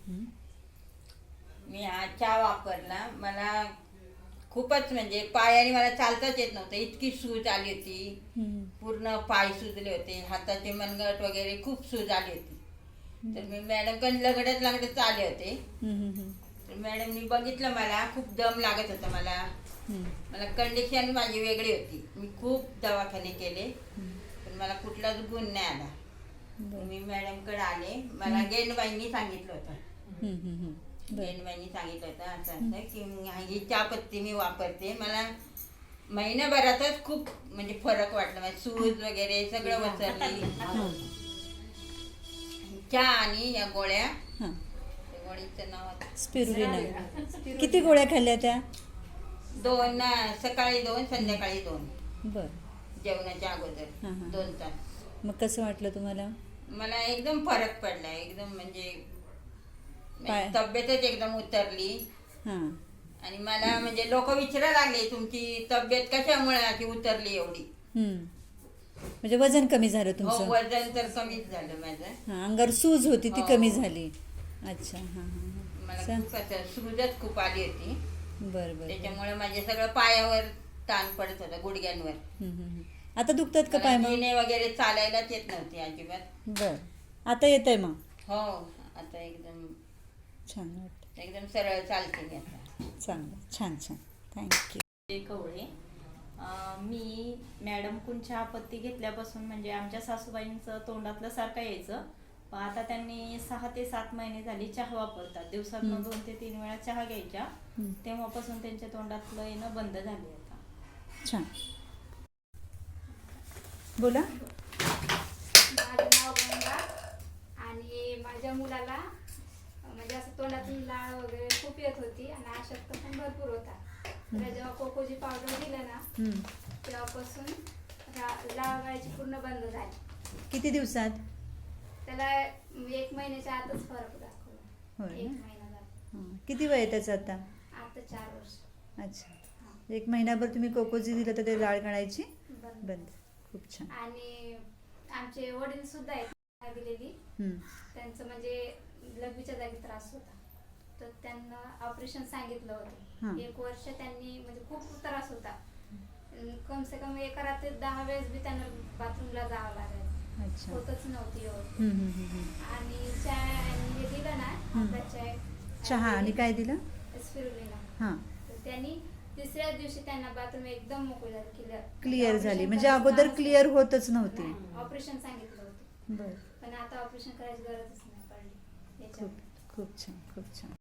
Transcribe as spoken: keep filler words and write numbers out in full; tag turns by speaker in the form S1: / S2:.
S1: मी हा चहा वापरला. मला खूपच म्हणजे पायाने मला चालताच येत नव्हतं, इतकी सूज आली होती. पूर्ण पाय सुजले होते, हाताचे मनगट वगैरे खूप सूज आली होती. तर मी मॅडमकडे लगडत लगडत आले होते. तर मॅडमनी बघितलं, मला खूप दम लागत होता. मला मला कंडिशन माझी वेगळी होती. मी खूप दवाखाने केले पण मला कुठलाच गुण नाही आला. मी मॅडमकडे आले. मला गेंडबाईंनी सांगितलं होतं गेंडबाईंनी सांगितलं होतं असं असं की ही चहापत्ती मी वापरते. मला महिन्याभरातच खूप म्हणजे फरक वाटला. माझी सूज वगैरे सगळं वसरली. चहा आणि या गोळ्या, गोळीचं नाव
S2: स्पिरुलिना. किती गोळ्या खाल्ल्या त्या?
S1: दोन, सकाळी दोन, संध्याकाळी दोन.
S2: बर.
S1: जेवणाच्या अगोदर दोन तास.
S2: मग कसं वाटलं तुम्हाला?
S1: मला एकदम फरक पडला. एकदम म्हणजे
S2: पाय-
S1: तब्येतच एकदम उतरली.
S2: हां.
S1: आणि मला म्हणजे लोक विचारायला लागले, तुमची तब्येत कशामुळे अशी उतरली एवढी?
S2: म्हणजे वजन कमी झालं
S1: हो,
S2: तुमचं?
S1: वजन तर कमीच झालं माझं.
S2: हां, अंगावर सूज होती ती
S1: हो.
S2: कमी झाली. अच्छा. हां हां
S1: मला
S2: हां.
S1: खूप असं सूजच खूप आली होती.
S2: बरं बरं.
S1: त्याच्यामुळे माझे सगळं पायावर ताण पडत होता, गुडघ्यांवर.
S2: हम्म, हम्म, हम्म. आता दुखतात का पाय मग?
S1: जिने वगैरे चालायलाच येत नव्हती अजिबात.
S2: बर. आता येत आहे मग?
S1: हो, आता एकदम
S2: छान वाटतं.
S1: एकदम सरळ चालते मी आता.
S2: चांगलं, छान छान. थँक्यू.
S3: कवळे. अं, मी मॅडमकडून चहापत्ती घेतल्यापासून म्हणजे आमच्या सासूबाईंचं तोंडातलं सारखं यायचं, पण आता त्यांनी सहा ते सात महिने झाली चहा वापरतात. दिवसातनं दोन ते तीन वेळा चहा घ्यायच्या. तेव्हापासून त्यांच्या तोंडातलं येणं बंद झाले आता.
S2: छान. बोला.
S4: माझं नाव गंगा आणि माझ्या मुलाला म्हणजे असं तोंडातून लाळ वगैरे खूप येत होती आणि अशक्त पण भरपूर होता. तर जेव्हा कोकोची पावडर दिलं ना तेव्हापासून लाळ व्हायची पूर्ण बंद झाली.
S2: किती दिवसात?
S4: त्याला एक महिन्याच्या आतच फरक दाखवला. एक महिना झाला.
S2: हां. किती वय आहे त्याचं आता?
S4: आता चार वर्ष.
S2: अच्छा. एक महिनाभर तुम्ही कोकोजी दिलं तर ते लाळ काढायची
S4: बंद.
S2: बंद. खूप छान.
S4: आणि आमचे वडील सुद्धा आहेत दिलेली. त्यांचं म्हणजे लघवीच्या जागी त्रास होता, तर त्यांना ऑपरेशन सांगितलं होतं. एक वर्ष त्यांनी म्हणजे खूप त्रास होता. कम से कम एका रात्री दहा वेळेस बी त्यांना बाथरूमला जावं लागायचं. होतच नव्हती आणि चहा हे दिलं ना चाय.
S2: चहा आणि काय दिलं?
S4: स्पिरुलिना.
S2: हां.
S4: तर त्यांनी तिसऱ्या दिवशी त्यांना बाथरूम एकदम मोकळी झाली, क्लिअर
S2: क्लिअर झाली. म्हणजे अगोदर क्लिअर होतच नव्हती.
S4: ऑपरेशन सांगितलं होतं
S2: बरं.
S4: पण आता ऑपरेशन करायची गरजच नाही पडली.
S2: खूप खूप छान, खूप छान.